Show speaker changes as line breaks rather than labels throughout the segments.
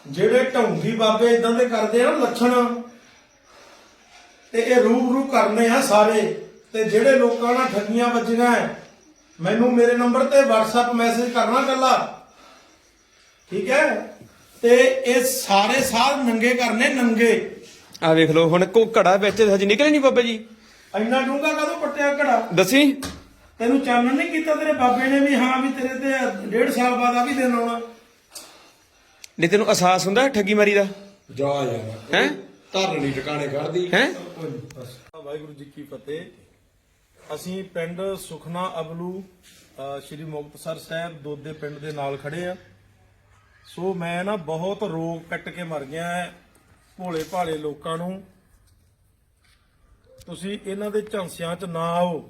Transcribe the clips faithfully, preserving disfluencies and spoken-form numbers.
ਜਿਹੜੇ ਢੌਂਗੀ ਬਾਬੇ ਇਦਾਂ ਦੇ ਕਰਦੇ ਆ ਲੱਛਣ ਤੇ ਇਹ ਰੂਬਰੂ ਕਰਨੇ ਆ ਸਾਰੇ। ਤੇ ਜਿਹੜੇ ਲੋਕਾਂ ਨਾਲ ਠੱਗੀਆਂ ਵੱਜੀਆਂ ਮੈਨੂੰ ਮੇਰੇ ਨੰਬਰ ਤੇ WhatsApp ਮੈਸੇਜ ਕਰਨਾ ਕੱਲਾ, ਠੀਕ ਹੈ। ਤੇ ਇਹ ਸਾਰੇ ਸਾਧ ਨੰਗੇ ਕਰਨੇ ਨੰਗੇ।
ਆ ਵੇਖ ਲਓ ਹੁਣ ਕੋ ਘੜਾ ਵਿੱਚ ਹਜੇ ਨਿਕਲੇ ਨਹੀਂ ਬਾਬਾ ਜੀ।
ਇੰਨਾ ਡੂੰਘਾ ਕਦੋਂ ਪੱਟਿਆ ਘੜਾ?
ਦੱਸੀ
ਤੈਨੂੰ ਚਾਨਣ ਨਹੀਂ ਕੀਤਾ ਤੇਰੇ ਬਾਬੇ ਨੇ ਵੀ ਹਾਂ ਵੀ ਤੇਰੇ ਤੇ ਡੇਢ ਸਾਲ ਬਾਅਦ ਆ ਵੀ ਦਿਨ ਆਉਣਾ?
ਨਹੀਂ ਤੈਨੂੰ ਅਹਿਸਾਸ ਹੁੰਦਾ ਠੱਗੀ ਮਾਰੀ ਦਾ?
ਜਾ ਯਾਰ
ਹੈ
ਧਰਨੀ ਟਿਕਾਣੇ ਕਰਦੀ
ਹੈ।
ਵਾਹਿਗੁਰੂ ਜੀ ਕੀ ਫਤਿਹ। ਅਸੀਂ ਪਿੰਡ ਸੁਖਨਾ ਅਬਲੂ ਅਹ ਸ਼੍ਰੀ ਮੁਕਤਸਰ ਸਾਹਿਬ ਦੋਦੇ ਪਿੰਡ ਦੇ ਨਾਲ ਖੜੇ ਆ। ਸੋ ਮੈਂ ਨਾ ਬਹੁਤ ਰੋਗ ਕੱਟ ਕੇ ਮਰ ਗਿਆ ਹੈ ਭੋਲੇ ਭਾਲੇ ਲੋਕਾਂ ਨੂੰ। ਤੁਸੀਂ ਇਹਨਾਂ ਦੇ ਝਾਂਸਿਆਂ 'ਚ ਨਾ ਆਓ,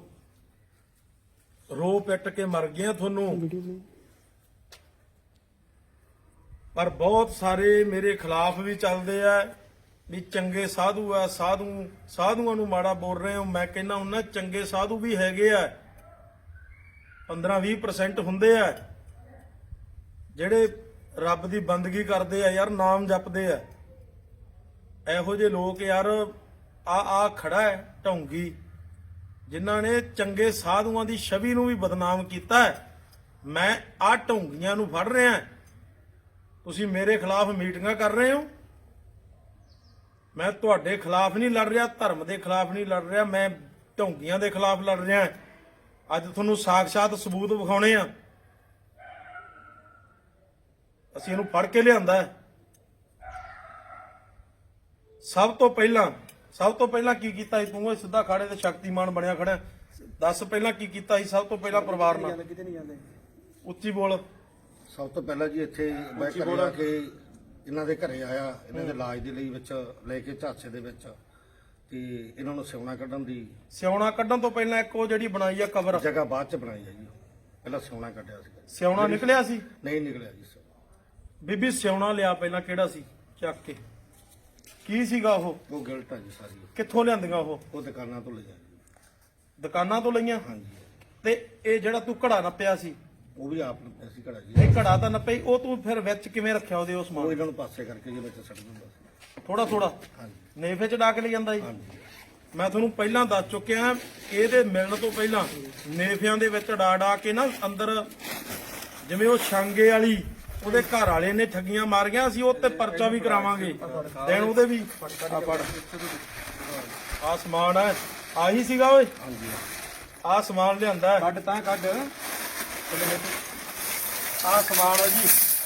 ਰੋ ਪਿੱਟ ਕੇ ਮਰ ਗਿਆ ਤੁਹਾਨੂੰ। ਪਰ ਬਹੁਤ ਸਾਰੇ ਮੇਰੇ ਖਿਲਾਫ ਵੀ ਚੱਲਦੇ ਆ ਵੀ ਚੰਗੇ ਸਾਧੂ ਆ, ਸਾਧੂ ਸਾਧੂਆਂ ਨੂੰ ਮਾੜਾ ਬੋਲ ਰਹੇ ਹੋ। ਮੈਂ ਕਹਿੰਦਾ ਉਹਨਾਂ ਚੰਗੇ ਸਾਧੂ ਵੀ ਹੈਗੇ ਆ, ਪੰਦਰਾਂ ਵੀਹ ਪਰਸੈਂਟ ਹੁੰਦੇ ਆ ਜਿਹੜੇ ਰੱਬ ਦੀ ਬੰਦਗੀ ਕਰਦੇ ਆ ਯਾਰ, ਨਾਮ ਜਪਦੇ ਆ। ਇਹੋ ਜਿਹੇ ਲੋਕ ਯਾਰ ਆ ਆ ਖੜਾ ਹੈ ਢੌਂਗੀ, ਜਿਨ੍ਹਾਂ ਨੇ ਚੰਗੇ ਸਾਧੂਆਂ ਦੀ ਛਵੀ ਨੂੰ ਵੀ ਬਦਨਾਮ ਕੀਤਾ ਹੈ। ਮੈਂ ਆ ਢੌਂਗੀਆਂ ਨੂੰ ਫੜ ਰਿਹਾ। ਤੁਸੀਂ ਮੇਰੇ ਖਿਲਾਫ ਮੀਟਿੰਗਾਂ ਕਰ ਰਹੇ ਹੋ। ਮੈਂ ਤੁਹਾਡੇ ਖਿਲਾਫ ਨਹੀਂ ਲੜ ਰਿਹਾ, ਧਰਮ ਦੇ ਖਿਲਾਫ ਨਹੀਂ ਲੜ ਰਿਹਾ, ਮੈਂ ਢੌਂਗੀਆਂ ਦੇ ਖਿਲਾਫ ਲੜ ਰਿਹਾ। ਅੱਜ ਤੁਹਾਨੂੰ ਸਾਖਸ਼ਾਤ ਸਬੂਤ ਵਿਖਾਉਣੇ ਆ। ਅਸੀਂ ਇਹਨੂੰ ਫੜ ਕੇ ਲਿਆਂਦਾ। ਸਭ ਤੋਂ ਪਹਿਲਾਂ ਸਭ ਤੋਂ ਪਹਿਲਾਂ ਕੀ ਕੀਤਾ ਸੀ ਤੂੰ? ਸਿੱਧਾ ਖਾੜੇ ਤੇ ਸ਼ਕਤੀਮਾਨ ਬਣਿਆ ਖੜਾ। ਦੱਸ ਪਹਿਲਾਂ ਕੀ ਕੀਤਾ ਸੀ ਸਭ ਤੋਂ ਪਹਿਲਾਂ ਪਰਿਵਾਰ ਨਾਲ? ਉੱਚੀ ਬੋਲ।
ਸਭ ਤੋਂ ਪਹਿਲਾਂ ਜੀ ਇੱਥੇ ਮੈਂ ਘਰੇ ਆ ਕੇ ਇਹਨਾਂ ਦੇ ਘਰੇ ਆਇਆ, ਇਹਨਾਂ ਦੇ ਇਲਾਜ ਦੇ ਲਈ ਵਿੱਚ ਲੈ ਕੇ ਝਾਂਸੇ ਦੇ ਵਿੱਚ, ਤੇ ਇਹਨਾਂ ਨੂੰ ਸਿਉਣਾ ਕੱਢਣ ਦੀ
ਸਿਉਣਾ ਕੱਢਣ ਤੋਂ ਪਹਿਲਾਂ ਇੱਕ ਉਹ ਜਿਹੜੀ ਬਣਾਈ ਆ ਕਬਰ,
ਜਗ੍ਹਾ ਬਾਅਦ ਚ ਬਣਾਈ ਹੈ ਜੀ। ਪਹਿਲਾਂ ਸਿਉਣਾ ਕੱਢਿਆ ਸੀ।
ਸਿਉਣਾ ਨਿਕਲਿਆ ਸੀ?
ਨਹੀਂ ਨਿਕਲਿਆ ਜੀ ਸਿਉਣਾ।
ਬੀਬੀ ਸਿਉਣਾ ਲਿਆ ਪਹਿਲਾਂ, ਕਿਹੜਾ ਸੀ? ਚੱਕ ਕੇ ਕੀ ਸੀਗਾ ਉਹ?
ਉਹ ਗਿਲਟ ਆ ਜੀ ਸਾਰੀ।
ਕਿੱਥੋਂ ਲਿਆਂਦੀਆਂ ਉਹ?
ਉਹ ਦੁਕਾਨਾਂ ਤੋਂ ਲਿਆ ਜੀ।
ਦੁਕਾਨਾਂ ਤੋਂ ਲਈਆਂ?
ਹਾਂਜੀ।
ਤੇ ਇਹ ਜਿਹੜਾ ਤੂੰ ਘੜਾ ਨੱਪਿਆ ਸੀ
ਉਹ ਵੀ ਆਪ ਨੂੰ ਅਸੀਂ ਘੜਾ ਜੀ।
ਇਹ ਘੜਾ ਤਾਂ ਨੱਪਿਆ ਹੀ, ਉਹ ਤੂੰ ਫਿਰ ਵਿੱਚ ਕਿਵੇਂ ਰੱਖਿਆ ਉਹਦੇ? ਉਸ
ਉਹ
ਸਮਾਨ
ਇਹਨਾਂ ਨੂੰ ਪਾਸੇ ਕਰਕੇ ਜੀ ਵਿੱਚ ਸੱਟ ਦਿੰਦਾ ਸੀ।
ਥੋੜਾ ਥੋੜਾ
ਹਾਂਜੀ
ਨੇਫੇ ਚ ਡਾਕ ਲਈ ਜਾਂਦਾ ਸੀ।
ਹਾਂਜੀ।
ਮੈਂ ਤੁਹਾਨੂੰ ਪਹਿਲਾਂ ਦੱਸ ਚੁੱਕਿਆ, ਇਹਦੇ ਮਿਲਣ ਤੋਂ ਪਹਿਲਾਂ ਨੇਫਿਆਂ ਦੇ ਵਿੱਚ ਡਾ ਡਾ ਕੇ ਨਾ ਅੰਦਰ, ਜਿਵੇਂ ਉਹ ਛਾਂਗੇ ਵਾਲੀ ਉਹਦੇ ਘਰ ਵਾਲੇ ਨੇ ਠੱਗੀਆਂ ਮਾਰੀਆਂ, ਅਸੀਂ ਉਹ ਤੇ ਪਰਚਾ ਵੀ ਕਰਾਵਾਂਗੇ ਦੇਣ ਉਹਦੇ ਵੀ। ਆ ਫੜ, ਆ ਸਮਾਨ ਹੈ, ਆਹੀ ਸੀਗਾ ਓਏ।
ਹਾਂਜੀ
ਆ ਸਮਾਨ ਲਿਆਂਦਾ ਹੈ।
ਕੱਢ ਤਾਂ ਕੱਢ।
ਆ ਸਮਾਨ ਹੈ ਜੀ।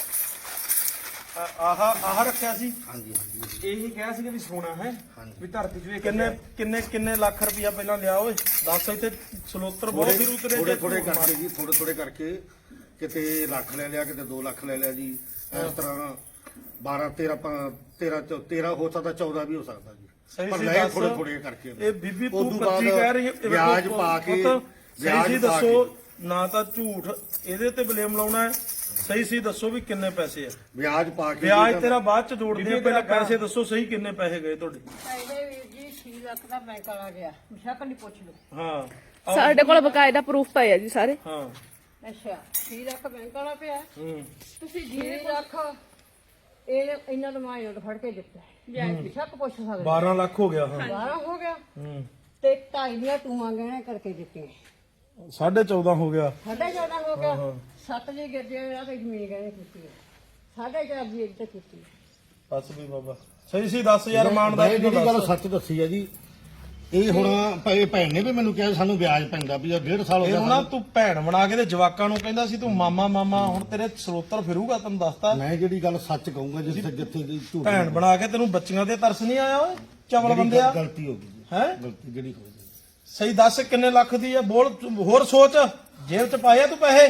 ਆਹ ਆਹ ਰੱਖਿਆ ਸੀ।
ਹਾਂਜੀ ਹਾਂਜੀ।
ਇਹੀ ਕਿਹਾ ਸੀ ਵੀ ਸੋਨਾ ਹੈ ਵੀ ਧਰਤੀ ਚ ਵੇਖ
ਕਿੰਨੇ ਕਿੰਨੇ ਕਿੰਨੇ ਲੱਖ ਰੁਪਇਆ ਪਹਿਲਾਂ ਲਿਆ ਓਏ? ਦੱਸ। ਇੱਥੇ ਸਲੋਤਰ ਬਹੁਤ ਫਿਰ ਉਤਰੇ
ਥੋੜੇ ਥੋੜੇ ਕਰਕੇ ਜੀ, ਥੋੜੇ ਥੋੜੇ ਕਰਕੇ ਕਿਤੇ ਲੱਖ ਲੈ ਲਿਆ, ਕਿਤੇ ਦੋ ਲੱਖ ਲੈ ਲਿਆ ਜੀ। ਇਸ ਤਰ੍ਹਾਂ ਬਾਰਾਂ ਤੇਰਾਂ ਤੇਰਾਂ ਤੇਰਾਂ ਹੋ ਸਕਦਾ, ਚੌਦਾਂ ਵੀ ਹੋ ਸਕਦਾ ਜੀ।
ਸਹੀ
ਪਰ
ਸੀ
ਲੈ
ਦੱਸ।
ਥੋੜੇ ਥੋੜੇ ਕਰਕੇ।
ਇਹ ਬੀਬੀ ਤੂੰ
ਉਦੋਂ
ਕੱਚੀ
ਬਾਅਦ
ਕਹਿ ਰਹੀ ਹੈ।
ਵਿਆਜ ਪਾ ਕੇ
ਸਹੀ ਸੀ ਦੱਸੋ, ਨਾ ਤਾਂ ਝੂਠ ਇਹਦੇ ਤੇ ਬਲੇਮ ਲਾਉਣਾ ਹੈ। ਸਹੀ ਸੀ ਦੱਸੋ ਵੀ ਕਿੰਨੇ ਪੈਸੇ ਆ?
ਵਿਆਜ ਪਾ ਕੇ
ਵਿਆਜ ਤੇਰਾ ਬਾਅਦ ਚ ਜੋੜਦੇ ਆ, ਪਹਿਲਾਂ ਪੈਸੇ ਦੱਸੋ ਸਹੀ ਕਿੰਨੇ ਪੈਸੇ ਗਏ ਤੁਹਾਡੇ?
ਪਹਿਲੇ ਵੀਰ ਜੀ ਛੇ ਲੱਖ ਦਾ ਬੈਂਕ ਵਾਲਾ ਗਿਆ, ਸ਼ੱਕ ਨਹੀਂ ਪੁੱਛ ਲਓ।
ਹਾਂ
ਸਾਡੇ ਕੋਲ ਬਕਾਇਦਾ ਪ੍ਰੂਫ ਪਏ ਆ ਜੀ ਸਾਰੇ।
ਹਾਂ।
ਅੱਛਾ ਛੇ ਲੱਖ ਬੈਂਕ ਵਾਲਾ ਪਿਆ,
ਹੂੰ।
ਤੁਸੀਂ ਛੇ ਲੱਖ ਇਹ ਇਹਨਾਂ ਦਾ ਮਾਇਓ ਫੜ ਕੇ ਦਿੱਤਾ। ਵਿਆਜ ਸ਼ੱਕ ਪੁੱਛ ਸਕਦੇ,
ਬਾਰਾਂ ਲੱਖ ਹੋ ਗਿਆ। ਹਾਂ।
ਬਾਰਾਂ ਹੋ ਗਿਆ
ਹੂੰ।
ਤੇ ਢਾਈ ਦੀਆਂ ਟੂਆਂ ਗਹਿਣੇ ਕਰਕੇ ਦਿੱਤੀਆਂ,
ਸਾਢੇ ਚੌਦਾਂ ਹੋ ਗਿਆ।
ਸਾਢੇ ਚੌਦਾਂ ਹੋ ਗਿਆ। ਸੱਤ ਜੀ ਗਿਰਦੇ ਆ ਤੇ ਜ਼ਮੀਨ ਗਹਿਣੇ ਕੀਤੀ ਹੈ, ਸਾਢੇ ਚਾਰ ਦੀ ਇੱਕ ਤੇ ਕੀਤੀ।
ਬਸ ਵੀ ਬਾਬਾ ਸਹੀ ਸੀ ਦੱਸ ਯਾਰ, ਇਮਾਨਦਾਰੀ ਨਾਲ
ਜਿਹੜੀ ਗੱਲ
ਦੱਸ।
ਸੱਚ ਦੱਸੀ ਹੈ ਜੀ। ਇਹ ਹੁਣ ਭਾਈ ਭੈਣ ਨੇ ਵੀ ਮੈਨੂੰ ਕਿਹਾ ਸਾਨੂੰ ਵਿਆਜ ਪੈਂਦਾ ਵੀ ਡੇਢ ਸਾਲ ਹੋ ਗਿਆ।
ਇਹਨੂੰ ਨਾ ਤੂੰ ਭੈਣ ਬਣਾ ਕੇ ਤੇ ਜਵਾਕਾਂ ਨੂੰ ਕਹਿੰਦਾ ਸੀ ਤੂੰ ਮਾਮਾ ਮਾਮਾ, ਹੁਣ ਤੇਰੇ ਸਰੋਤਰ ਫਿਰੂਗਾ। ਤੈਨੂੰ ਦੱਸਤਾ,
ਮੈਂ ਜਿਹੜੀ ਗੱਲ ਸੱਚ ਕਹੂੰਗਾ, ਜਿੱਥੇ ਜਿੱਥੇ ਦੀ ਝੂਠ
ਭੈਣ ਬਣਾ ਕੇ ਤੈਨੂੰ ਬੱਚੀਆਂ ਤੇ ਤਰਸ ਨਹੀਂ ਆਇਆ ਓਏ? ਚਵਲ ਬੰਦਿਆ,
ਗਲਤੀ ਹੋ ਗਈ ਜੀ।
ਹੈ
ਗਲਤੀ ਜਿਹੜੀ ਹੋ ਗਈ।
ਸਹੀ ਦੱਸ ਕਿੰਨੇ ਲੱਖ ਦੀ ਆ? ਬੋਲ, ਹੋਰ ਸੋਚ। ਜੇਬ ਚ ਪਾਇਆ ਤੂੰ ਪੈਸੇ?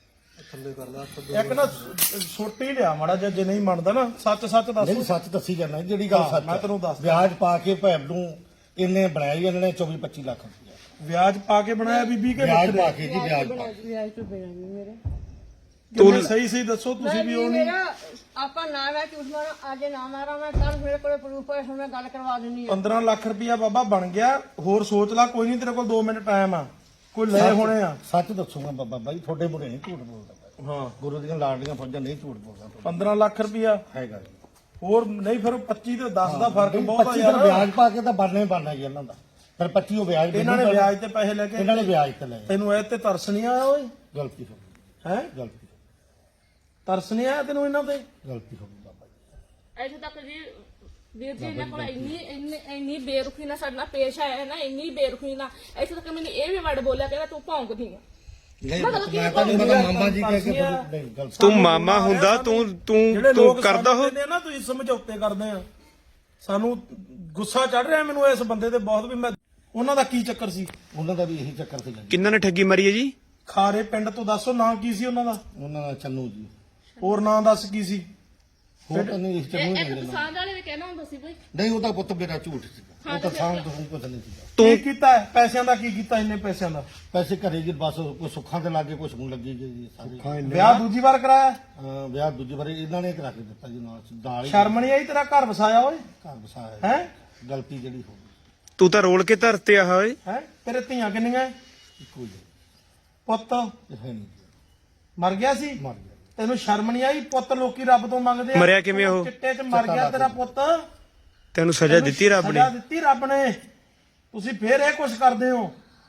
ਇੱਕ ਨਾ ਛੋਟੀ ਲਿਆ ਮਾੜਾ ਜਿਹਾ, ਜੇ ਨਹੀਂ ਮੰਨਦਾ ਨਾ ਸੱਚ ਸੱਚ ਦੱਸ।
ਨਹੀਂ ਸੱਚ ਦੱਸੀ ਜਾਂਦਾ ਜਿਹੜੀ ਗੱਲ ਸੱਚ।
ਮੈਂ ਤੈਨੂੰ ਦੱਸਦਾ।
ਵਿਆਜ ਪਾ ਕੇ ਭੈਣ ਨੂੰ ਇਹਨੇ ਬਣਾਇਆ ਜੀ, ਇਹਨਾਂ ਨੇ ਚੌਵੀ ਪੱਚੀ ਲੱਖ ਰੁਪਇਆ
ਵਿਆਜ ਪਾ ਕੇ ਬਣਾਇਆ ਬੀਬੀ ਕੇ?
ਵਿਆਜ ਪਾ ਕੇ ਜੀ, ਵਿਆਜ ਪਾ ਕੇ।
ਵਿਆਜ ਤੋਂ ਬਿਨਾਂ ਨਹੀਂ ਮੇਰੇ
ਤੂੰ ਸਹੀ ਸਹੀ ਦੱਸੋ ਤੁਸੀਂ ਵੀ ਉਹ ਨਹੀਂ।
ਮੇਰਾ ਆਪਾਂ ਨਾ ਮੈਂ ਝੂਠ ਮਾਰਾਂ, ਅੱਜ ਨਾ ਮਾਰਾਂ ਮੈਂ, ਕੱਲ ਮੇਰੇ ਕੋਲੇ ਪ੍ਰੂਫ ਹੈ, ਹੁਣ ਮੈਂ ਗੱਲ ਕਰਵਾ ਦਿੰਨੀ ਆ।
ਪੰਦਰਾਂ ਲੱਖ ਰੁਪਇਆ ਬਾਬਾ ਬਣ ਗਿਆ। ਹੋਰ ਸੋਚ ਲੈ, ਕੋਈ ਨਹੀਂ ਤੇਰੇ ਕੋਲ ਦੋ ਮਿੰਟ ਟਾਈਮ ਆ, ਕੋਈ ਲੈ ਹੋਣੇ ਆ।
ਸੱਚ ਦੱਸੂਗਾ ਬਾਬਾ ਬਾਈ, ਤੁਹਾਡੇ ਮੁਰੇ ਨਹੀਂ ਝੂਠ ਬੋਲਦਾ।
ਹਾਂ,
ਗੁਰੂ ਦੀਆਂ ਲਾਡਲੀਆਂ ਫੌਜਾਂ ਨਹੀਂ ਝੂਠ ਬੋਲਦਾ।
ਪੰਦਰਾਂ ਲੱਖ ਰੁਪਇਆ
ਹੈਗਾ ਜੀ।
ਹੋਰ ਨਹੀਂ ਫਿਰ ਪੱਚੀ ਤੇ ਦਸ ਦਾ ਫਰਕ ਬਹੁਤ ਆ
ਪੱਚੀ ਦਾ
ਯਾਰ
ਵਿਆਜ ਪਾ ਕੇ ਤਾਂ ਬਣਨਾ ਹੀ ਬਣਨਾ ਜੀ ਇਹਨਾਂ ਦਾ। ਫਿਰ ਪੱਚੀ ਉਹ ਵਿਆਜ
ਇਹਨਾਂ ਨੇ
ਮੈਨੂੰ
ਵਿਆਜ ਤੇ ਪੈਸੇ ਲੈ ਕੇ
ਇਹਨਾਂ ਨੇ ਵਿਆਜ ਤੇ ਲਏ।
ਤੈਨੂੰ ਇਹ ਤੇ ਤਰਸ ਨਹੀਂ ਆਇਆ ਓਏ
ਗਲਤੀ ਹੋ ਗਈ,
ਹੈ
ਗਲਤੀ
ਤਰਸ ਨਹੀਂ ਆਇਆ ਤੈਨੂੰ ਇਹਨਾਂ ਤੇ
ਗਲਤੀ ਹੋ ਗਈ ਬਾਬਾ ਜੀ।
ਇੱਥੇ ਤੱਕ ਜੀ ਵੀਰ ਜੀ ਇਹਨਾਂ ਕੋਲ ਇੰਨੀ ਇੰਨੀ ਇੰਨੀ ਬੇਰੁਖੀ ਨਾਲ ਸਾਡੇ ਨਾਲ ਪੇਸ਼ ਆਇਆ ਨਾ, ਇੰਨੀ ਬੇਰੁਖੀ ਨਾਲ ਇੱਥੇ ਤੱਕ ਮੈਨੂੰ ਇਹ ਵੀ ਵਰਡ ਬੋਲਿਆ ਕਹਿੰਦਾ ਤੂੰ ਭੌਂਕਦੀ ਆ।
ਨਹੀਂ
ਮਤਲਬ ਕਿ
ਮੈਂ ਤਾਂ ਨਹੀਂ ਪਤਾ ਮਾਮਾ ਜੀ ਕਹਿ ਕੇ ਨਹੀਂ ਗਲਤੀ
ਤੂੰ ਮਾਮਾ ਹੁੰਦਾ ਤੂੰ
ਜਿਹੜੇ
ਤੂੰ ਤੂੰ
ਲੋਕ
ਕਰਦਾ ਹੋ
ਸਮਝਦੇ ਨੇ ਨਾ ਤੁਸੀਂ ਸਮਝੌਤੇ ਕਰਦੇ ਆ ਸਾਨੂੰ ਗੁੱਸਾ ਚੜ ਰਿਹਾ ਮੈਨੂੰ ਇਸ ਬੰਦੇ ਤੇ ਬਹੁਤ ਵੀ ਮੈਂ ਉਹਨਾਂ ਦਾ ਕੀ ਚੱਕਰ ਸੀ
ਉਹਨਾਂ ਦਾ ਵੀ ਇਹੀ ਚੱਕਰ ਸੀ ਜੀ।
ਕਿੰਨਾਂ ਨੇ ਠੱਗੀ ਮਾਰੀ ਹੈ ਜੀ?
ਖਾਰੇ ਪਿੰਡ ਤੋਂ ਦੱਸੋ ਨਾਂ ਕੀ ਸੀ ਉਹਨਾਂ ਦਾ
ਉਹਨਾਂ ਦਾ ਚੰਨੂ ਜੀ
ਹੋਰ ਨਾਂ ਦੱਸ ਕੀ ਸੀ
ਹੋਰ ਤਾਂ ਨਹੀਂ ਇਸ ਚੰਨੂ
ਇਹ
ਹੀ
ਇੱਕ
ਮਿਲਣਾ।
ਪਸੰਦ ਵਾਲੇ ਵੀ ਕਹਿਣਾ ਹੁੰਦਾ ਸੀ ਬਈ
ਨਹੀਂ ਉਹਦਾ ਪੁੱਤ ਮੇਰਾ ਝੂਠ ਸੀਗਾ, ਉਹ ਤਾਂ ਸਾਂਭ ਤੋਂ ਕੁਝ ਨਹੀਂ ਸੀਗਾ।
ਕੀ ਕੀਤਾ ਹੈ? ਪੈਸਿਆਂ ਦਾ ਕੀ ਕੀਤਾ ਇੰਨੇ ਪੈਸਿਆਂ ਦਾ
ਪੈਸੇ ਘਰੇ ਜੀ ਬਸ ਕੋਈ ਸੁੱਖਾਂ ਤੇ ਲੱਗੇ ਕੁਝ ਹੁਣ ਲੱਗੀ ਜੀ ਸਾਰੇ।
ਵਿਆਹ ਦੂਜੀ ਵਾਰ ਕਰਾਇਆ
ਅਹ ਵਿਆਹ ਦੂਜੀ ਵਾਰੀ ਇਹਨਾਂ ਨੇ ਕਰਾ ਕੇ ਦਿੱਤਾ ਜੀ ਨਾਲ ਨਾਲ ਹੀ
ਸ਼ਰਮ ਨਹੀਂ ਆਈ ਤੇਰਾ ਘਰ ਵਸਾਇਆ ਓਏ
ਘਰ ਵਸਾਇਆ
ਹੈ
ਗਲਤੀ ਜਿਹੜੀ ਹੋ ਗਈ
ਤੂੰ ਤਾਂ ਰੋਲ ਕੇ ਧਰਤੇ ਆ ਓਏ।
ਹੈ ਤੇਰੇ ਧੀਆਂ ਕਿੰਨੀਆਂ
ਇੱਕੋ ਜੀ
ਪੁੱਤ
ਇਹ ਹੈ ਨਹੀਂ ਜੀ,
ਮਰ ਗਿਆ ਸੀ
ਮਰ ਗਿਆ।
ਤੈਨੂੰ ਸ਼ਰਮ ਨਹੀਂ ਆਈ ਪੁੱਤ ਲੋਕੀ ਰੱਬ ਤੋਂ ਮੰਗਦੇ ਆ
ਮਰਿਆ ਕਿਵੇਂ ਉਹ?
ਚਿੱਟੇ 'ਚ ਮਰ ਗਿਆ ਤੇਰਾ ਪੁੱਤ
ਤੈਨੂੰ ਸਜ਼ਾ ਦਿੱਤੀ ਰੱਬ ਨੇ?
ਸਜ਼ਾ ਦਿੱਤੀ ਰੱਬ ਨੇ ਤੁਸੀਂ ਫੇਰ ਇਹ ਕੁਛ ਕਰਦੇ ਹੋ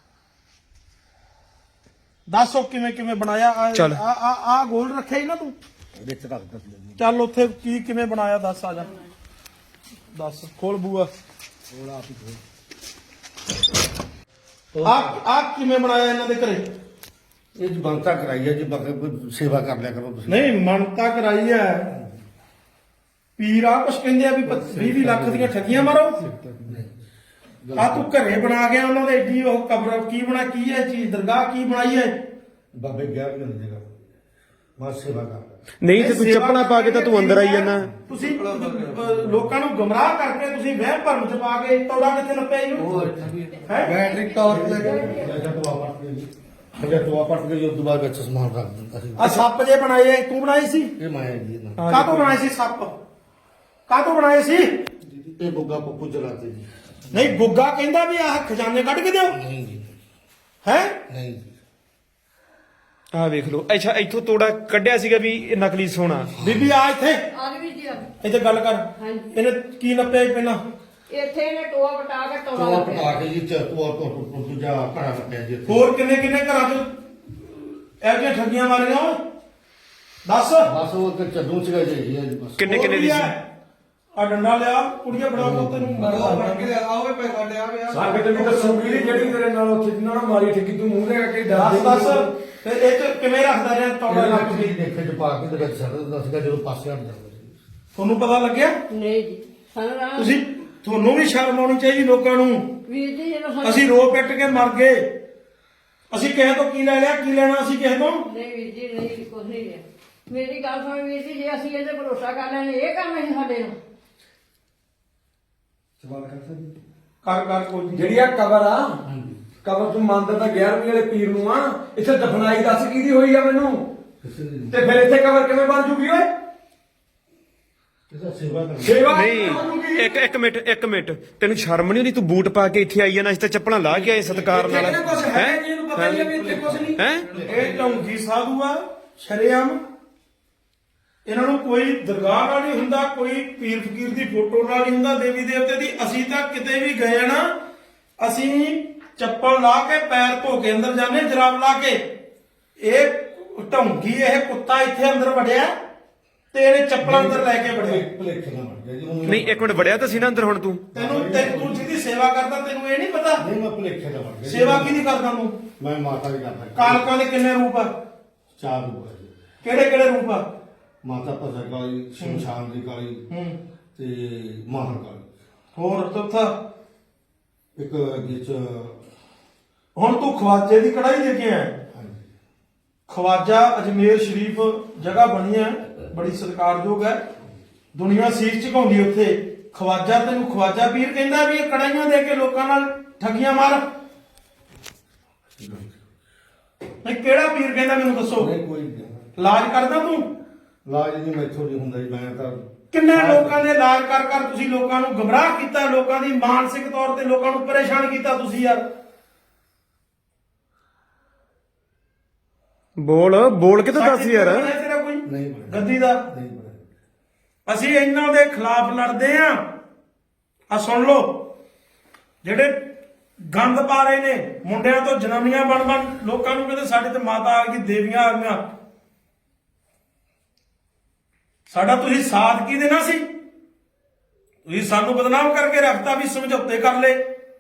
ਦੱਸੋ ਕਿਵੇਂ ਕਿਵੇਂ ਬਣਾਇਆ ਆ
ਚੱਲ।
ਆ ਆ ਆ ਗੋਲ ਰੱਖਿਆ ਹੀ ਨਾ ਤੂੰ
ਵਿੱਚ ਰੱਖ ਦਿੱਤੀ ਜੀ।
ਚੱਲ ਉੱਥੇ ਕੀ ਕਿਵੇਂ ਬਣਾਇਆ ਦੱਸ ਆ ਜਾ ਦੱਸ ਖੋਲ ਬੂਆ ਆ ਆ ਕਿਵੇਂ ਬਣਾਇਆ ਇਹਨਾਂ ਦੇ ਘਰੇ
ਇਹ ਜੀ ਬੰਤਾ ਕਰਾਈ ਹੈ ਜੀ ਬਾਕੀ ਸੇਵਾ ਕਰ ਲਿਆ ਕਰੋ ਤੁਸੀਂ।
ਨਹੀਂ ਮੰਨਤਾ ਕਰਾਈ ਐ ਪੀਰ ਆ ਕੁਛ ਕਹਿੰਦੇ ਆ ਵੀ ਵੀਹ ਲੱਖ ਦੀਆਂ ਠੱਗੀਆਂ ਮਾਰੋ ਆ ਤੂੰ ਘਰੇ ਬਣਾ ਗਿਆ ਉਹਨਾਂ ਦੇ ਏਡੀ ਉਹ ਕਬਰ ਕੀ ਬਣਾ ਕੀ ਹੈ ਚੀਜ਼ ਦਰਗਾਹ ਕੀ ਬਣਾਈ ਹੈ
ਬਾਬੇ ਗਿਆ ਵੀ ਨਹੀਂ ਜਗਾ ਮੈਂ ਸੇਵਾ ਕਰ
ਨਹੀਂ ਤੇ ਤੂੰ ਚੱਪਣਾ ਪਾ ਕੇ ਤਾਂ ਤੂੰ ਅੰਦਰ ਆਈ ਜਾਂਦਾ।
ਤੁਸੀਂ ਅਹ, ਲੋਕਾਂ ਨੂੰ ਗਮਰਾਹ ਕਰਕੇ ਤੁਸੀਂ ਵਹਿਮ ਭਰਮ ਚ ਪਾ ਕੇ ਤੋੜਾ ਕਿੱਥੇ ਨੱਪਿਆ ਇਹਨੂੰ ਹੈ
ਬੈਟਰੀ ਟਾਰਚ ਲੈ ਕੇ ਜਦ ਤੋਂ ਆਪਟ ਗਈ ਜਦ ਤੋਂ ਆਪਟ ਗਈ ਉਸ ਤੋਂ ਬਾਅਦ ਵਿੱਚ ਸਮਾਨ ਰੱਖ ਦਿੰਦਾ ਸੀ।
ਆ ਸੱਪ ਜੇ ਬਣਾਏ ਤੂੰ ਬਣਾਈ ਸੀ
ਇਹ ਮਾਇਆ ਜੀ ਨਾ
ਕਾਹਤੋਂ ਬਣਾਏ ਸੀ ਸੱਪ ਕਾਹਤੋਂ ਬਣਾਏ ਸੀ
ਇਹ ਬੁੱਗਾ ਪੱਪੂ ਜਲਾਤੇ ਜੀ।
ਨਹੀਂ ਗੁੱਗਾ ਕਹਿੰਦਾ ਵੀ ਆਹ ਖਜ਼ਾਨੇ ਕੱਢ ਕੇ ਦਿਓ
ਨਹੀਂ ਜੀ
ਹੈ
ਨਹੀਂ ਜੀ
ਆਹ ਵੇਖ ਲਓ। ਅੱਛਾ ਇੱਥੋਂ ਤੋੜਾ ਕੱਢਿਆ ਸੀਗਾ ਵੀ ਇਹ ਨਕਲੀ ਸੋਨਾ।
ਬੀਬੀ ਆ ਇੱਥੇ
ਆ ਵੀ ਜੀ ਆ।
ਇੱਥੇ ਗੱਲ ਕਰ
ਹਾਂਜੀ।
ਇਹਨੇ ਕੀ ਨੱਪਿਆ ਸੀ ਪਹਿਲਾਂ
ਇੱਥੇ ਇਹਨੇ ਟੋਆ ਪਟਾ ਕੇ ਟੋਆ
ਤੂੰ
ਲੱਭਿਆ।
ਪਟਾ ਕੇ ਜੀ ਚ ਤੂੰ ਤੂੰ ਦੂਜਾ ਘੜਾ ਰੱਖਿਆ ਜੀ ਇੱਥੇ।
ਹੋਰ ਕਿੰਨੇ ਕਿੰਨੇ ਘਰਾਂ ਚ ਇਹੋ ਜਿਹੀਆਂ ਠੱਗੀਆਂ ਮਾਰੀਆਂ ਓਏ ਦੱਸ
ਬਸ ਉਹ ਤੇ ਚੱਦੂ ਸੀਗਾ ਜੀ ਜੀ ਬਸ।
ਕਿੰਨੇ ਕਿੰਨੇ ਦੀ ਸੀ?
ਆ ਡੰਡਾ ਲਿਆ ਕੁੜੀਆਂ ਬੜਾ ਪੁੱਤ ਨੂੰ
ਸਾਡੇ ਤੇ ਵੀ ਦੱਸੂਗੀ ਜਿਹੜੀ ਤੇਰੇ ਨਾਲ ਉੱਥੇ ਜਿੰਨਾਂ ਨਾਲ ਮਾਰੀ ਠੱਗੀ ਤੂੰ ਮੂੰਹ ਦੇ ਕੇ
ਦੱਸ ਦੱਸ ਫਿਰ ਇਹ ਚ ਕਿਵੇਂ ਰੱਖਦਾ ਰਿਹਾ ਚੌੜਾ
ਤੋੜਾ
ਲੱਗ
ਲੱਗ
ਕੇ
ਕੇ ਦੇਖੇ ਚ ਪਾ ਕੇ ਤੇ ਵਿੱਚ ਛੱਡ ਦਿੰਦਾ ਸੀਗਾ ਜਦੋਂ ਪਾਸੇ ਹਟ ਜਾਂਦਾ ਸੀ।
ਤੁਹਾਨੂੰ ਪਤਾ ਲੱਗਿਆ
ਨਹੀਂ ਜੀ ਸਾਨੂੰ ਨਾ
ਤੁਸੀਂ ਤੁਹਾਨੂੰ ਵੀ ਸ਼ਰਮ ਆਉਣੀ ਚਾਹੀਦੀ ਲੋਕਾਂ ਨੂੰ
ਵੀਰ ਜੀ ਜਦੋਂ ਸਾਨੂੰ
ਅਸੀਂ ਰੋ ਪਿੱਟ ਕੇ ਮਰ ਗਏ ਅਸੀਂ ਕਿਸੇ ਤੋਂ ਕੀ ਲੈ ਲਿਆ ਕੀ ਲੈਣਾ ਅਸੀਂ ਕਿਸੇ ਤੋਂ
ਨਹੀਂ ਵੀਰ ਜੀ ਨਹੀਂ ਕੁਝ ਨਹੀਂ ਹੈ ਮੇਰੀ ਗੱਲ ਸੁਣ ਵੀਰ ਜੀ ਜੇ ਅਸੀਂ ਇਹਦੇ ਭਰੋਸਾ ਕਰ ਲੈਣੇ ਇਹ ਕੰਮ ਹੈ ਸਾਡੇ ਨੂੰ
ਕਰ ਕਰ ਕੋਈ ਨੀ।
ਜਿਹੜੀ ਆ ਕਬਰ ਆ ਕਬਰ ਤੂੰ ਮੰਨਦਾ ਤਾਂ ਗਿਆਰਵੀਂ ਵਾਲੇ ਪੀਰ ਨੂੰ ਆ ਇੱਥੇ ਦਫਨਾਈ ਦੱਸ ਕਿਹਦੀ ਹੋਈ ਆ ਮੈਨੂੰ
ਕਿਸੇ ਦੀ
ਤੇ ਫਿਰ ਇੱਥੇ ਕਬਰ ਕਿਵੇਂ ਬਣ ਜੂਗੀ ਓਏ?
ਕਿਸੇ ਸੇਵਾ ਕਰ
ਸੇਵਾ
ਨਹੀਂ ਇੱਕ ਇੱਕ ਮਿੰਟ ਇੱਕ ਮਿੰਟ ਤੈਨੂੰ ਸ਼ਰਮ ਨਹੀਂ ਆਉਂਦੀ? ਤੂੰ ਬੂਟ ਪਾ ਕੇ ਇੱਥੇ ਆਈ ਜਾਂਦਾ ਅਸੀਂ ਤਾਂ ਚੱਪਲਾਂ ਲਾ ਕੇ ਆਏ ਸਤਿਕਾਰ ਨਾਲ।
ਇੱਥੇ ਕੁਝ ਹੈ ਜੀ ਇਹਨੂੰ ਪਤਾ ਹੀ ਆ ਵੀ ਇੱਥੇ ਕੁਝ ਨਹੀਂ।
ਹੈ
ਇਹ ਢੌਂਗੀ ਸਾਧੂ ਆ ਸ਼ਰੇਆਮ ਇਹਨਾਂ ਨੂੰ ਕੋਈ ਦਰਗਾਹ ਨਾਲ ਨਹੀਂ ਹੁੰਦਾ ਕੋਈ ਪੀਰ ਫਕੀਰ ਦੀ ਫੋਟੋ ਨਾਲ ਨਹੀਂ ਹੁੰਦਾ ਦੇਵੀ ਦੇਵਤੇ ਦੀ ਅਸੀਂ ਤਾਂ ਕਿਤੇ ਵੀ ਗਏ ਆ ਨਾ ਅਸੀਂ ਚੱਪਲ ਲਾ ਕੇ ਪੈਰ ਧੋ ਕੇ ਅੰਦਰ ਜਾਂਦੇ ਜਰਾਬ ਲਾ ਕੇ ਇਹ ਢੌਂਗੀ ਇਹ ਕੁੱਤਾ ਇੱਥੇ ਅੰਦਰ ਵੜਿਆ ਤੇ ਇਹਨੇ ਚੱਪਲਾਂ ਅੰਦਰ ਲੈ ਕੇ ਵੜਿਆ
ਭਲੇਖੇ ਨਾਲ ਬਣ ਗਿਆ ਜੀ ਉਹ
ਨਹੀਂ ਇੱਕ ਮਿੰਟ ਵੜਿਆ ਤਾਂ ਸੀ ਨਾ ਅੰਦਰ ਹੁਣ ਤੂੰ?
ਤੈਨੂੰ ਤੈਨੂੰ ਤੂੰ ਜਿਹਦੀ ਸੇਵਾ ਕਰਦਾ ਤੈਨੂੰ ਇਹ ਨਹੀਂ ਪਤਾ
ਨਹੀਂ ਮੈਂ ਭਲੇਖੇ ਨਾਲ ਬਣ ਗਿਆ ਜੀ।
ਸੇਵਾ ਕਿਹਦੀ ਕਰਦਾ ਤੂੰ
ਮੈਂ ਮਾਤਾ ਦੀ ਕਰਦਾ
ਕਾਲਕਾਂ ਦੇ ਕਿੰਨੇ ਰੂਪ ਆ
ਚਾਰ ਰੂਪ ਹੈ ਜੀ।
ਕਿਹੜੇ ਕਿਹੜੇ ਰੂਪ ਆ
ਮਾਤਾ ਭਜਨ ਕਾਲੀ ਸ਼ਮਸ਼ਾਨ ਦੀ ਕਾਲੀ
ਹੂੰ
ਤੇ ਮਾਹਰ ਕਾਲੀ
ਹੋਰ ਚੌਥਾ
ਇੱਕ ਵਿੱਚ
ਹੁਣ ਤੂੰ ਖਵਾਜੇ ਦੀ ਕੜਾਈ ਦੇ ਕੇ ਆਇਆ
ਹਾਂਜੀ
ਖਵਾਜਾ ਅਜਮੇਰ ਸ਼ਰੀਫ ਜਗ੍ਹਾ ਬਣੀ ਹੈ ਬੜੀ ਸਤਿਕਾਰਯੋਗ ਹੈ ਦੁਨੀਆ ਸੀਸ ਝੁਕਾਉਂਦੀ ਉੱਥੇ ਖਵਾਜਾ ਤੈਨੂੰ ਖਵਾਜਾ ਪੀਰ ਕਹਿੰਦਾ ਵੀ ਇਹ ਕੜਾਈਆਂ ਦੇ ਕੇ ਲੋਕਾਂ ਨਾਲ ਠੱਗੀਆਂ ਮਾਰ ਨਹੀਂ ਕਿਹੜਾ ਪੀਰ ਕਹਿੰਦਾ ਮੈਨੂੰ ਦੱਸੋ
ਨਹੀਂ ਕੋਈ ਨਹੀਂ।
ਇਲਾਜ ਕਰਦਾ ਤੂੰ
ਇਲਾਜ ਨਹੀਂ ਮੈਥੋਂ ਨਹੀਂ ਹੁੰਦਾ ਜੀ ਮੈਂ ਤਾਂ
ਕਿੰਨੇ ਲੋਕਾਂ ਦੇ ਇਲਾਜ ਕਰ ਕਰ ਤੁਸੀਂ ਲੋਕਾਂ ਨੂੰ ਗਮਰਾਹ ਕੀਤਾ ਲੋਕਾਂ ਦੀ ਮਾਨਸਿਕ ਤੌਰ ਤੇ ਲੋਕਾਂ ਨੂੰ ਪਰੇਸ਼ਾਨ ਕੀਤਾ ਤੁਸੀਂ ਯਾਰ
ਬੋਲ ਬੋਲ ਕੇ ਤਾਂ ਦੱਸ ਯਾਰ।
ਤੇਰਾ ਕੋਈ
ਨਹੀਂ ਬਣਿਆ।
ਗੱਦੀ ਦਾ
ਨਹੀਂ ਬਣਿਆ।
ਅਸੀਂ ਇਹਨਾਂ ਦੇ ਖਿਲਾਫ ਲੜਦੇ ਆਂ। ਆ ਸੁਣ ਲਓ, ਜਿਹੜੇ ਗੰਦ ਪਾ ਰਹੇ ਨੇ, ਮੁੰਡਿਆਂ ਤੋਂ ਜਨਾਨੀਆਂ ਬਣ ਬਣ ਲੋਕਾਂ ਨੂੰ ਕਹਿੰਦੇ ਸਾਡੇ ਤੇ ਮਾਤਾ ਆ ਗਈ, ਦੇਵੀਆਂ ਆ ਗਈਆਂ। ਸਾਡਾ ਤੁਸੀਂ ਸਾਥ ਕੀ ਦੇਣਾ ਸੀ? ਤੁਸੀਂ ਸਾਨੂੰ ਬਦਨਾਮ ਕਰਕੇ ਰੱਖਤਾ ਵੀ ਸਮਝੌਤੇ ਕਰ ਲਏ।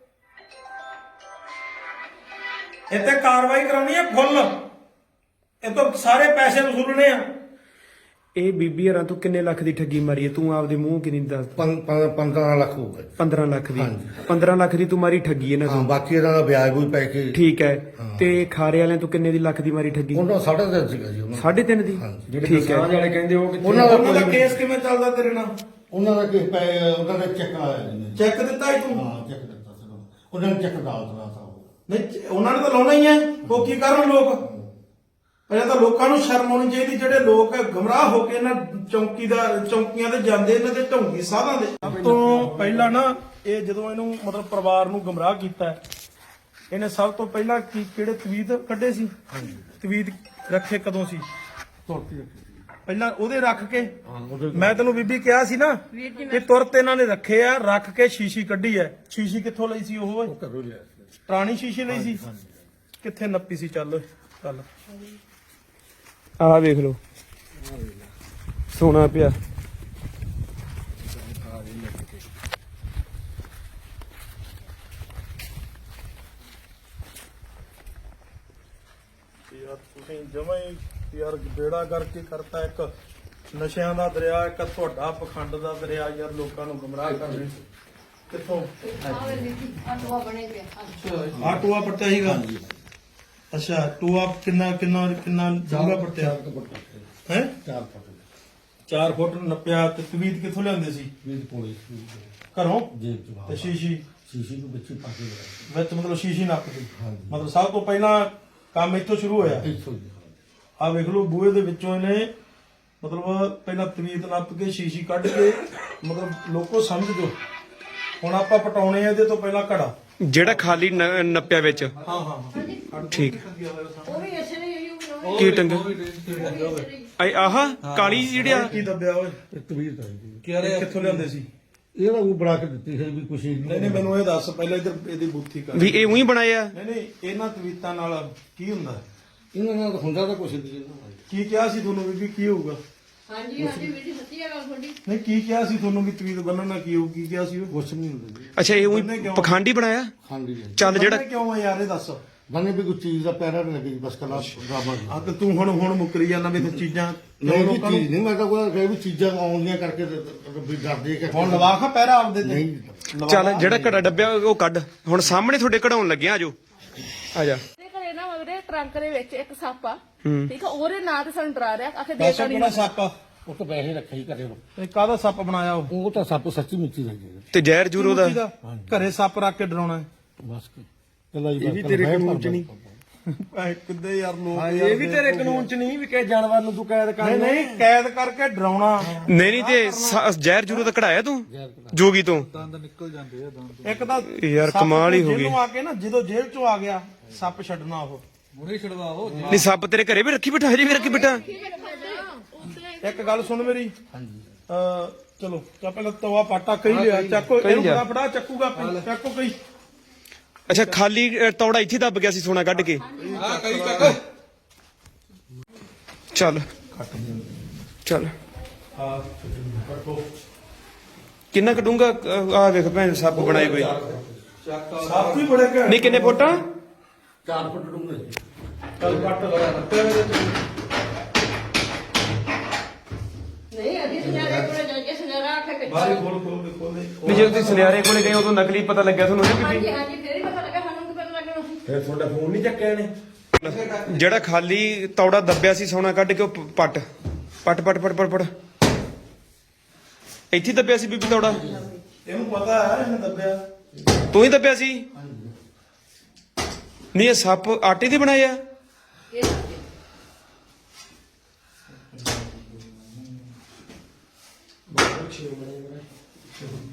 ਇੱਥੇ ਕਾਰਵਾਈ ਕਰਾਉਣੀ ਹੈ ਫੁੱਲ, ਇਹ ਤੋਂ ਸਾਰੇ ਪੈਸੇ ਵਸੂਲਣੇ ਆ।
ਇਹ ਬੀਬੀ ਹਰਾਂ ਤੂੰ ਕਿੰਨੇ ਲੱਖ ਦੀ ਠੱਗੀ ਮਾਰੀ ਹੈ? ਤੂੰ ਆਪਦੇ ਮੂੰਹ ਕਿੰਨੀ ਦੱਸ?
ਪੰਦਰਾਂ ਲੱਖ ਹੋਊਗਾ ਜੀ।
ਪੰਦਰਾਂ ਲੱਖ ਦੀ। ਪੰਦਰਾਂ ਲੱਖ ਦੀ ਤੂੰ ਮਾਰੀ ਠੱਗੀ ਇਹਨਾਂ
ਹਾਂ,
ਤੋਂ।
ਬਾਕੀ ਇਹਨਾਂ ਦਾ ਵਿਆਜ ਵੀ ਪੈ ਕੇ
ਠੀਕ ਹੈ। ਤੇ ਖਾਰੇ ਵਾਲਿਆਂ ਤੋਂ ਕਿੰਨੇ ਦੀ ਲੱਖ ਦੀ ਮਾਰੀ ਠੱਗੀ?
ਉਹਨਾਂ ਦਾ ਸਾਢੇ ਤਿੰਨ ਸੀਗਾ ਜੀ ਉਹਨਾਂ ਦਾ।
ਸਾਢੇ ਤਿੰਨ ਦੀ।
ਜਿਹੜੇ
ਠੀਕ ਹੈ।
ਕਿਸਾਨ ਵਾਲੇ ਕਹਿੰਦੇ ਉਹ ਕਿੱਥੇ?
ਉਹਨਾਂ ਦਾ
ਉਹਨਾਂ ਦਾ
ਕੋਈ-
ਕੇਸ ਕਿਵੇਂ ਚੱਲਦਾ ਤੇਰੇ ਨਾਲ?
ਉਹਨਾਂ ਦਾ ਕਿਸ ਪੈ ਉਹਨਾਂ ਦਾ ਚੈੱਕ ਆਇਆ ਜੀ।
ਚੈੱਕ ਦਿੱਤਾ ਹੀ ਤੂੰ?
ਹਾਂ, ਚੈੱਕ ਦਿੱਤਾ ਸੀ ਉਹਨਾਂ ਨੂੰ। ਉਹਨਾਂ ਨੇ ਚੈੱਕ ਡਾਲ ਦਿੱਤਾ ਸੀ ਉਹ।
ਨਹੀਂ, ਚ- ਉਹਨਾਂ ਨੇ ਤਾਂ ਲਾਉਣਾ ਹੀ ਹੈ। ਉਹ ਕੀ ਕਰਨ ਲੋਕ? ਪਹਿਲਾਂ ਤਾਂ ਲੋਕਾਂ ਨੂੰ ਸ਼ਰਮ ਆਉਣੀ ਚਾਹੀਦੀ, ਜਿਹੜੇ ਲੋਕ ਗਮਰਾਹ ਹੋ ਕੇ ਇਹਨਾਂ ਚੌਂਕੀ ਦਾ ਚੌਂਕੀਆਂ ਤੇ ਜਾਂਦੇ, ਇਹਨਾਂ ਦੇ ਢੋਂਗੀ ਸਾਧਾਂ ਦੇ। ਸਭ ਤੋਂ ਪਹਿਲਾਂ ਨਾ ਇਹ ਜਦੋਂ ਇਹਨੂੰ ਮਤਲਬ ਪਰਿਵਾਰ ਨੂੰ ਗਮਰਾਹ ਕੀਤਾ ਹੈ, ਇਹਨੇ ਸਭ ਤੋਂ ਪਹਿਲਾਂ ਕੀ ਕਿਹੜੇ ਤਵੀਤ ਕੱਢੇ ਸੀ? ਤਵੀਤ ਰੱਖੇ ਕਦੋਂ ਸੀ? ਪਹਿਲਾਂ ਉਹਦੇ ਰੱਖ ਕੇ ਮੈਂ ਤੈਨੂੰ ਬੀਬੀ ਕਿਹਾ ਸੀ ਨਾ ਕਿ ਤੁਰਤ ਇਹਨਾਂ ਨੇ ਰੱਖੇ ਆ, ਰੱਖ ਕੇ ਸ਼ੀਸ਼ੀ ਕੱਢੀ ਐ। ਸ਼ੀਸ਼ੀ ਕਿੱਥੋਂ ਲਈ ਸੀ? ਉਹ ਪੁਰਾਣੀ ਸ਼ੀਸ਼ੀ ਲਈ ਸੀ। ਕਿੱਥੇ ਨੱਪੀ ਸੀ? ਚੱਲ ਚੱਲ
ਆਹ ਵੇਖ ਲਓ, ਸੋਨਾ ਪਿਆ।
ਯਾਰ ਤੁਸੀਂ ਜਮਾਂ ਹੀ ਯਾਰ ਬੇੜਾ ਕਰਕੇ ਕਰਤਾ। ਇੱਕ ਨਸ਼ਿਆਂ ਦਾ ਦਰਿਆ, ਇੱਕ ਤੁਹਾਡਾ ਪਖੰਡ ਦਾ ਦਰਿਆ। ਯਾਰ ਲੋਕਾਂ ਨੂੰ ਗੁੰਮਰਾਹ ਕਰਦੇ ਕਿੱਥੋਂ? ਆ ਟੂਆ ਪੱਟਿਆ ਸੀਗਾ। ਅੱਛਾ, ਟੂਆ ਕਿੰਨਾ ਕਿੰਨਾ ਕਿੰਨਾ ਡੂੰਘਾ ਪੱਟਿਆ ਹੈ?
ਚਾਰ ਫੁੱਟ
ਚਾਰ ਫੁੱਟ ਨੱਪਿਆ। ਤੇ ਤਵੀਤ ਕਿੱਥੋਂ ਲਿਆਂਦੇ ਸੀ?
ਵੀਹ ਪੌੜੀ
ਘਰੋਂ?
ਜੇਬ ਚ
ਤੇ ਸ਼ੀਸ਼ੀ
ਸ਼ੀਸ਼ੀ ਨੂੰ ਵਿੱਚ ਹੀ ਪਾ ਕੇ ਲਗਾਇਆ।
ਵਿੱਚ ਮਤਲਬ ਸ਼ੀਸ਼ੀ ਨੱਪਦੀ।
ਹਾਂਜੀ।
ਮਤਲਬ ਸਭ ਤੋਂ ਪਹਿਲਾਂ ਕੰਮ ਇੱਥੋਂ ਸ਼ੁਰੂ ਹੋਇਆ।
ਇੱਥੋਂ ਜੀ।
ਆ ਵੇਖ ਲਓ, ਬੂਹੇ ਦੇ ਵਿੱਚੋਂ ਇਹਨੇ ਮਤਲਬ ਪਹਿਲਾਂ ਤਵੀਤ ਨੱਪ ਕੇ ਸ਼ੀਸ਼ੀ ਕੱਢ ਕੇ, ਮਤਲਬ ਲੋਕੋ ਸਮਝ ਜੋ। ਹੁਣ ਆਪਾਂ ਪਟਾਉਣੇ ਆ ਇਹਦੇ ਤੋਂ ਪਹਿਲਾਂ ਘੜਾ।
ਜਿਹੜਾ ਖਾਲੀ ਨ- ਨੱਪਿਆ ਵਿੱਚ।
ਹਾਂ ਹਾਂ ਹਾਂ
ਠੀਕ।
ਉਹ ਵੀ ਇਸੇ ਨੇ ਹੀ ਬਣਾਉਣਾ।
ਕੀ ਟੰਗ ਆਹ ਆਹ ਕਾਲੀ ਜਿਹੜੀ ਆ?
ਕੀ ਦੱਬਿਆ ਓਏ?
ਤਵੀਰ ਤਾਂ ਜੀ
ਇਹ ਕਿੱਥੋਂ ਲਿਆਂਦੇ ਸੀ?
ਇਹਦਾ ਉਹ ਬਣਾ ਕੇ ਦਿੱਤੀ ਹੈ ਵੀ ਕੁਛ
ਨਹੀਂ ਨਹੀਂ, ਮੈਨੂੰ ਇਹ ਦੱਸ ਪਹਿਲਾਂ ਇੱਧਰ ਇਹਦੀ ਬੂਥੀ ਕਰ।
ਵੀ ਇਹ ਉਹੀ ਬਣਾਏ ਆ?
ਨਹੀਂ ਨਹੀਂ, ਇਹਨਾਂ ਤਵੀਤਾਂ ਨਾਲ ਕੀ ਹੁੰਦਾ?
ਇਹਨਾਂ ਨਾਲ ਹੁੰਦਾ ਤਾਂ ਕੁਛ ਨਹੀਂ ਇਹਨਾਂ
ਕੀ ਕਿਹਾ ਸੀ ਤੁਹਾਨੂੰ ਬੀਬੀ? ਕੀ ਹੋਊਗਾ?
ਹਾਂਜੀ ਹਾਂਜੀ ਵੀਰ ਜੀ, ਸੱਚੀ ਗੱਲ ਤੁਹਾਡੀ।
ਨਹੀਂ, ਕੀ ਕਿਹਾ ਸੀ ਤੁਹਾਨੂੰ ਵੀ ਤਵੀਤ ਬੰਨਣ ਨਾਲ ਕੀ ਹੋਊ? ਕੀ ਕਿਹਾ ਸੀ ਉਹ?
ਕੁਛ ਨਹੀਂ ਹੁੰਦਾ ਜੀ।
ਅੱਛਾ, ਇਹ ਉਹੀ ਪਖੰਡੀ ਬਣਾਇਆ?
ਹਾਂਜੀ ਜੀ।
ਚੱਲ ਜਿਹੜਾ
ਬੰਨ੍ਹੇ ਕਿਉਂ ਆ ਯਾਰ, ਇਹ ਦੱਸ।
ਬੰਨੇ ਵੀ ਕੋਈ ਚੀਜ਼ ਦਾ ਪੈਰਾ ਨਹੀਂ ਲੱਗੀ ਬਸ ਕਲਾ ਡਰਾਮਾ
ਆ ਤੇ ਤੂੰ ਹੁਣ ਹੁਣ ਮੁੱਕਰੀ ਜਾਂਦਾ ਵੀ ਤੂੰ ਚੀਜ਼ਾਂ
ਨਹੀਂ
ਲੋਕਾਂ
ਜੀ
ਨੂੰ
ਚੀਜ਼ ਨਹੀਂ, ਮੈਂ ਤਾਂ ਕੋਈ ਕਹੇ ਵੀ ਚੀਜ਼ਾਂ ਆਉਂਦੀਆਂ ਕਰਕੇ ਤੇ- ਤੇ ਵੀ ਡਰਦੇ ਕਿ
ਹੁਣ ਲਵਾ ਖਾ ਪਹਿਰਾ ਆਪਦੇ ਤੇ।
ਨਹੀਂ
ਚੱਲ ਜਿਹੜਾ ਘੜਾ ਡੱਬਿਆ ਉਹ ਕੱਢ। ਹੁਣ ਸਾਹਮਣੇ ਤੁਹਾਡੇ ਕਢਾਉਣ ਲੱਗਿਆ। ਆਜੋ ਆ ਜਾ।
ਤੇ ਘਰੇ ਨਾ ਮਗਰੇ ਟਰੰਕ ਦੇ ਵਿੱਚ ਇੱਕ ਸੱਪ ਆ, ਠੀਕ ਆ, ਉਹਦੇ ਨਾਂ ਤੇ ਸਾਨੂੰ ਡਰਾ ਰਿਹਾ। ਆਖੇ ਦੇ
ਦੱਸ ਕਿਹੜਾ ਸੱਪ ਆ?
ਉਹ ਤਾਂ ਪੈਸੇ ਰੱਖੇ ਹੀ ਕਰੇ
ਇਹ ਕਾਹਦਾ ਸੱਪ ਬਣਾਇਆ ਉਹ?
ਉਹ ਤਾਂ ਸੱਪ ਸੱਚੀ ਮਿੱਚੀ ਲੱਗੀ
ਤੇ ਜ਼ਹਿਰ ਜੂਰੋ ਦਾ?
ਕਿਹਦਾ? ਘਰੇ ਸੱਪ ਰੱਖ ਕੇ ਡਰਾਉਣਾ ਹੈ?
ਬਸ ਕੱਲਾ ਹੀ
ਇਹ ਵੀ ਤੇਰੇ ਕਾਨੂੰਨ ਚ ਨਹੀਂ।
ਐ ਕਿੱਦੇ ਯਾਰ ਲੋਕ
ਹਾਂ,
ਯਾਰ
ਇਹ ਵੀ ਤੇਰੇ ਕਾਨੂੰਨ ਚ ਨਹੀਂ ਵੀ ਕਿਸੇ ਜਾਨਵਰ ਨੂੰ ਤੂੰ ਕੈਦ ਕਰ।
ਨਹੀਂ ਨਹੀਂ, ਕੈਦ ਕਰਕੇ ਡਰਾਉਣਾ।
ਨਹੀਂ ਨਹੀਂ, ਤੇ ਸ- ਜ਼ਹਿਰ ਜੂਰੋ ਦਾ ਕਢਾਇਆ ਤੂੰ ਜੋਗੀ ਤੋਂ?
ਇੱਕ ਤਾਂ
ਯਾਰ
ਸੱਪ
ਕਮਾਲ ਹੀ ਹੋ ਗਈ।
ਜੇਲ੍ਹੋਂ ਆ ਕੇ ਨਾ, ਜਦੋਂ ਜੇਲ੍ਹ ਚੋਂ ਆ ਗਿਆ ਸੱਪ ਛੱਡਣਾ ਉਹ।
ਨਹੀਂ, ਸੱਪ ਤੇਰੇ ਘਰੇ ਵੀ ਰੱਖੀ ਬਿਠਾ? ਹਜੇ ਵੀ ਰੱਖੀ ਬਿਠਾ?
ਇੱਕ ਗੱਲ ਸੁਣ ਮੇਰੀ। ਅ ਚਲੋ ਚਾ ਪਹਿਲਾਂ ਤਵਾ ਪਾਟਾ ਕਹੀ ਲਿਆ, ਚੱਕੋ ਇਹਨੂੰ
ਲਿਆ।
ਫੜਾ ਫੜਾ ਚੱਕੂਗਾ ਆਪੇ, ਚੱਕੋ ਕਈ।
ਅੱਛਾ, ਖਾਲੀ ਅ, ਤੌੜਾ ਇੱਥੇ ਦੱਬ ਗਿਆ ਸੀ ਸੋਨਾ ਕੱਢ ਕੇ? ਚੱਲ ਚੱਲ।
ਹਾਂ ਕੱਟੋ।
ਕਿੰਨਾ ਕਢੂੰਗਾ? ਆ ਵੇਖ ਭੈਣ ਸੱਪ ਬਣਾਏ ਕੋਈ।
ਸੱਪ ਵੀ ਬੜੇ ਘੈਂਟ।
ਨਹੀਂ, ਕਿੰਨੇ ਫੁੱਟ?
ਚਾਰ ਫੁੱਟ ਡੂੰਘੇ ਜੀ।
ਚੱਲ ਕੱਟ ਲਗਾ
ਨਹੀਂ ਅਸੀਂ ਸੁਨਿਆਰੇ ਕੋਲੇ ਜਾ ਕੇ ਸੁਨਿਆਰਾ ਆਖੇ ਕਿ
ਬਾਹਰ ਖੋਲ ਖੋਲ ਦੇ ਖੋਲ ਦੇ।
ਵੀ ਜੇ ਤੁਸੀਂ ਸੁਨਿਆਰੇ ਕੋਲੇ ਗਏ ਉਦੋਂ ਨਕਲੀ ਪਤਾ ਲੱਗਿਆ ਤੁਹਾਨੂੰ? ਨਹੀਂ
ਹਾਂਜੀ
ਬੀਬੀ,
ਹਾਂਜੀ, ਫੇਰ ਹੀ ਪਤਾ ਲੱਗਾ ਸਾਨੂੰ ਕਿ ਪਤਾ ਲੱਗਣਾ ਸੀ।
ਫਿਰ ਤੁਹਾਡਾ ਫੋਨ ਨਹੀਂ ਚੱਕਿਆ ਇਹਨੇ?
ਜਿਹੜਾ ਖਾਲੀ ਤੌੜਾ ਦੱਬਿਆ ਸੀ ਸੋਨਾ ਕੱਢ ਕੇ ਉਹ ਪ- ਪੱਟ ਪੱਟ ਪੱਟ ਪੱਟ ਪੱਟ ਪੱਟ ਇੱਥੇ ਦੱਬਿਆ ਸੀ ਬੀਬੀ ਤੌੜਾ?
ਇਹਨੂੰ ਪਤਾ ਹੈ ਇਹਨੇ ਦੱਬਿਆ।
ਤੂੰ ਹੀ ਦੱਬਿਆ ਸੀ? ਨਹੀਂ, ਇਹ ਸੱਪ ਆਟੇ ਦੇ ਬਣਾਏ ਆ?
ਇਹ ਦੱਸਦੇ।
ਬਹੁਤ ਅੱਛੇ ਬਣੇ